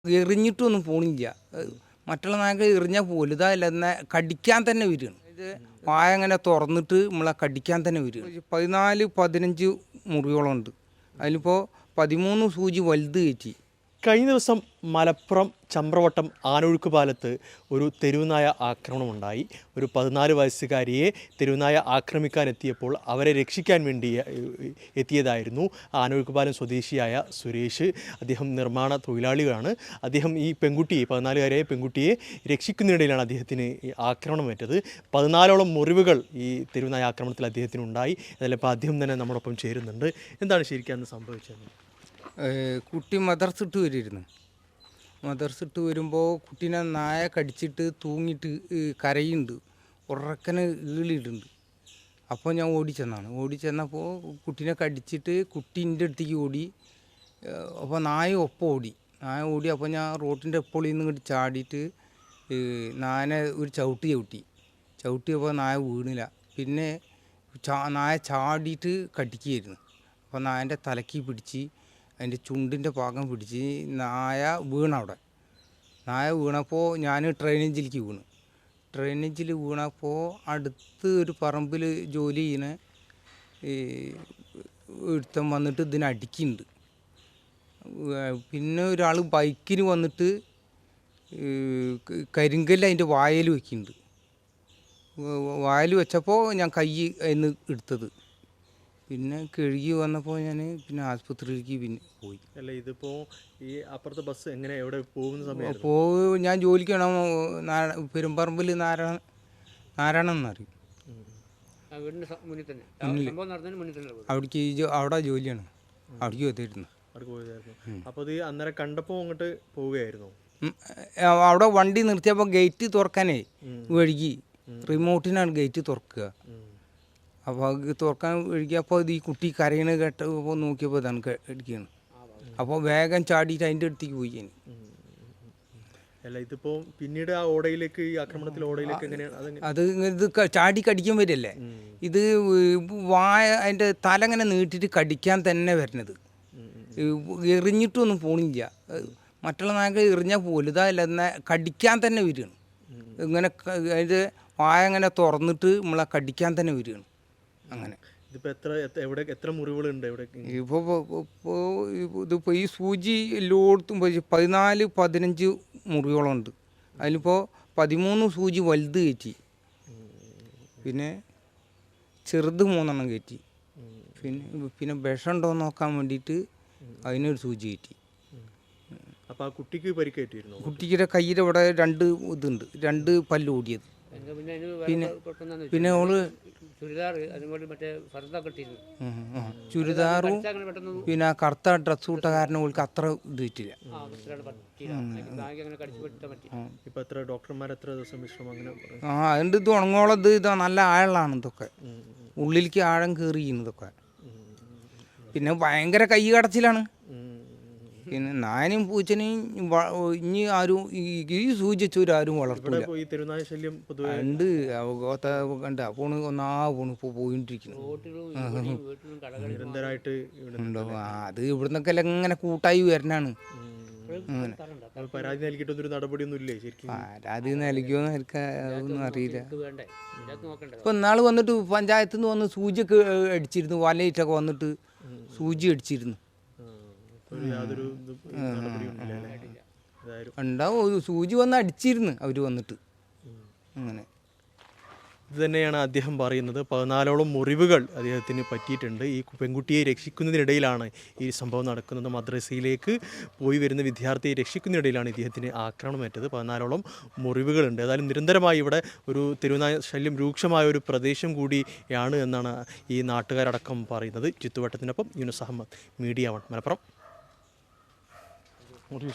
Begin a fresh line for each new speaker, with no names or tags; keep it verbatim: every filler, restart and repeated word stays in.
എറിഞ്ഞിട്ടൊന്നും പോണില്ല. മറ്റുള്ള നായകൾ എറിഞ്ഞാൽ പോലും ഇതല്ല എന്നാൽ കടിക്കാൻ തന്നെ വരികയാണ്. ഇത് വായ അങ്ങനെ തുറന്നിട്ട് നമ്മളെ കടിക്കാൻ തന്നെ വരികയാണ്. പതിനാല് പതിനഞ്ച് മുറിയോളം ഉണ്ട്. അതിലിപ്പോൾ പതിമൂന്ന് സൂചി വലുത് കയറ്റി.
കഴിഞ്ഞ ദിവസം മലപ്പുറം ചമ്പ്രവട്ടം ആനൊഴുക്ക് പാലത്ത് ഒരു തെരുവുനായ ആക്രമണമുണ്ടായി. ഒരു പതിനാല് വയസ്സുകാരിയെ തെരുവുനായ ആക്രമിക്കാൻ എത്തിയപ്പോൾ അവരെ രക്ഷിക്കാൻ വേണ്ടി എത്തിയതായിരുന്നു ആനൊഴുക്ക് പാലം സ്വദേശിയായ സുരേഷ്. അദ്ദേഹം നിർമ്മാണ തൊഴിലാളികളാണ്. അദ്ദേഹം ഈ പെൺകുട്ടിയെ പതിനാലുകാരിയായ പെൺകുട്ടിയെ രക്ഷിക്കുന്നതിനിടയിലാണ് അദ്ദേഹത്തിന് ആക്രമണമേറ്റത്. പതിനാലോളം മുറിവുകൾ ഈ തെരുവുനായ ആക്രമണത്തിൽ അദ്ദേഹത്തിനുണ്ടായി. അതിൽ ഇപ്പോൾ അദ്ദേഹം തന്നെ നമ്മോടൊപ്പം ചേരുന്നുണ്ട്. എന്താണ് ശരിക്കും അന്ന് സംഭവിച്ചത്?
കുട്ടി മദർസിട്ട് വരുമായിരുന്നു. മദർസിട്ട് വരുമ്പോൾ കുട്ടീനെ നായ കടിച്ചിട്ട് തൂങ്ങിയിട്ട് കരയുന്നുണ്ട്, ഉറക്കനെ ഈളിയിട്ടുണ്ട്. അപ്പോൾ ഞാൻ ഓടിച്ചെന്നാണ്. ഓടിച്ചെന്നപ്പോൾ കുട്ടീനെ കടിച്ചിട്ട് കുട്ടീൻ്റെ അടുത്തേക്ക് ഓടി. അപ്പോൾ നായ ഒപ്പം ഓടി. നായ ഓടി അപ്പോൾ ഞാൻ റോട്ടിൻ്റെ എപ്പോഴും നിന്ന് ഇങ്ങോട്ട് ചാടിയിട്ട് നായനെ ഒരു ചവിട്ടി ചവിട്ടി ചവിട്ടിയപ്പോൾ നായ വീണില്ല. പിന്നെ ചാ നായ ചാടിയിട്ട് കടിക്കുകയായിരുന്നു. അപ്പോൾ നായൻ്റെ തലയ്ക്ക് പിടിച്ച് അതിൻ്റെ ചുണ്ടിൻ്റെ ഭാഗം പിടിച്ച് നായ വീണവിടെ. നായ വീണപ്പോൾ ഞാൻ ട്രെയിനേജിലേക്ക് വീണു. ട്രെയിനേജിൽ വീണപ്പോൾ അടുത്ത് ഒരു പറമ്പിൽ ജോലി ചെയ്യുന്ന ഒരുത്തൻ വന്നിട്ട് ഇതിനെ അടിക്കുന്നുണ്ട്. പിന്നെ ഒരാൾ ബൈക്കിന് വന്നിട്ട് കരിങ്കല്ല് അതിൻ്റെ വായിൽ വയ്ക്കുന്നുണ്ട്. വായിൽ വെച്ചപ്പോൾ ഞാൻ കൈ അതിന് എടുത്തത്. പിന്നെ കഴുകി വന്നപ്പോൾ ഞാൻ പിന്നെ ആശുപത്രിയിലേക്ക് പിന്നെ പോയി.
അല്ല, ഇതിപ്പോൾ ഈ അപ്പുറത്തെ ബസ് എങ്ങനെ എവിടെ പോകുന്ന സമയം
പോ ഞാൻ ജോലിക്ക് വേണം പെരുമ്പറമ്പിൽ നാരായണ നാരായണൻ എന്നറിയും. അവിടേക്ക് അവിടെ ജോലിയാണ്. അവിടേക്ക് എത്തിയിരുന്നു.
അപ്പോൾ ഇത് അന്നേരം കണ്ടപ്പോൾ അങ്ങോട്ട് പോവുകയായിരുന്നു.
അവിടെ വണ്ടി നിർത്തിയപ്പോൾ ഗേറ്റ് തുറക്കാനേ വഴുകി. റിമോട്ടിനാണ് ഗേറ്റ് തുറക്കുക. അപ്പോൾ അത് തുറക്കാൻ ഒഴുകിയപ്പോൾ ഇത് ഈ കുട്ടി കരയണ കേട്ടപ്പോൾ നോക്കിയപ്പോൾ ഇതാണ് അടിക്കുകയാണ്. അപ്പോൾ വേഗം ചാടിയിട്ട് അതിൻ്റെ അടുത്തേക്ക് പോയി. ഞാൻ
അല്ല, ഇതിപ്പോൾ പിന്നീട് ആ ഓടയിലേക്ക് ഈ ആക്രമണത്തിൽ ഓടയിലേക്ക് എങ്ങനെയാണ്
അത് ഇത് ചാടി കടിക്കാൻ വരില്ലേ. ഇത് വായ അതിൻ്റെ തല ഇങ്ങനെ നീട്ടിയിട്ട് കടിക്കാൻ തന്നെ വരുന്നത്. എറിഞ്ഞിട്ടൊന്നും പോണില്ല. മറ്റുള്ള നായകൾ എറിഞ്ഞാൽ പോലും ഇതല്ല എന്നാൽ കടിക്കാൻ തന്നെ വരികയാണ്. ഇങ്ങനെ അതിൻ്റെ വായ ഇങ്ങനെ തുറന്നിട്ട് നമ്മളെ കടിക്കാൻ തന്നെ വരികയാണ്. അങ്ങനെ
ഇതിപ്പോൾ എത്ര എവിടെ എത്ര മുറിവുകളുണ്ട്? എവിടെ
ഇപ്പോൾ ഇപ്പോൾ ഇതിപ്പോൾ ഈ സൂചി എല്ലായിടത്തും പതിനാല് പതിനഞ്ച് മുറിയോളം ഉണ്ട്. അതിലിപ്പോൾ പതിമൂന്ന് സൂചി വലുത് കയറ്റി. പിന്നെ ചെറുത് മൂന്നെണ്ണം കയറ്റി. പിന്നെ പിന്നെ വിഷം ഉണ്ടോ എന്ന് നോക്കാൻ വേണ്ടിയിട്ട് അതിനൊരു സൂചി കയറ്റി.
അപ്പോൾ ആ കുട്ടിക്ക് പരിക്കേറ്റിരുന്നു.
കുട്ടിയുടെ കയ്യിലെ ഇവിടെ രണ്ട് ഇതുണ്ട്, രണ്ട് പല്ല് ഓടിയത്. പിന്നെ പിന്നെ ഓള് ചുരിദാറും പിന്നെ കറുത്ത ഡ്രസ് ഇട്ട കാരണം ഓൾക്ക് അത്ര ഇത് പറ്റില്ല. ആ അതുകൊണ്ട് ഇത് ഉണങ്ങോളത് ഇതാ നല്ല ആഴമാണ്. ഇതൊക്കെ ഉള്ളിലേക്ക് ആഴം കയറിയിരിക്കുന്നതൊക്കെ. പിന്നെ ഭയങ്കര കൈ കടച്ചിലാണ്. പിന്നെ നായനും പൂച്ചനെയും ഇനി ആരും ഈ സൂചിച്ചവരും ആരും വളർത്തില്ല. ഉണ്ട് കണ്ട പോണ് ഒന്നാ പോണ് ഇപ്പോൾ പോയിട്ടിരിക്കുന്നു. അത് ഇവിടുന്നൊക്കെ ഇങ്ങനെ കൂട്ടായി വരണാണ്.
പരാതി നൽകിയിട്ടൊന്നും നടപടിയൊന്നുമില്ലേ?
പരാതി നൽകിയോന്ന് എനിക്ക് അതൊന്നും അറിയില്ല. ഇപ്പം ഇന്നാൾ വന്നിട്ട് പഞ്ചായത്തിൽ നിന്ന് വന്ന് സൂചിയൊക്കെ അടിച്ചിരുന്നു. വലയിട്ടൊക്കെ വന്നിട്ട് സൂചി അടിച്ചിരുന്നു. ഉണ്ടാവും, ഒരു സൂചി വന്ന് അടിച്ചിരുന്നു അവർ വന്നിട്ട്. അങ്ങനെ
ഇത് തന്നെയാണ് അദ്ദേഹം പറയുന്നത്. പതിനാലോളം മുറിവുകൾ അദ്ദേഹത്തിന് പറ്റിയിട്ടുണ്ട്. ഈ പെൺകുട്ടിയെ രക്ഷിക്കുന്നതിനിടയിലാണ് ഈ സംഭവം നടക്കുന്നത്. മദ്രസയിലേക്ക് പോയി വരുന്ന വിദ്യാർത്ഥിയെ രക്ഷിക്കുന്നതിനിടയിലാണ് ഇദ്ദേഹത്തിന് ആക്രമണമേറ്റത്. പതിനാലോളം മുറിവുകളുണ്ട്. ഏതായാലും നിരന്തരമായി ഇവിടെ ഒരു തെരുവുനായ ശല്യം രൂക്ഷമായ ഒരു പ്രദേശം കൂടിയാണ് എന്നാണ് ഈ നാട്ടുകാരടക്കം പറയുന്നത്. ചുറ്റുവട്ടത്തിനൊപ്പം യൂനുസ് അഹമ്മദ്, മീഡിയ വൺ, മലപ്പുറം.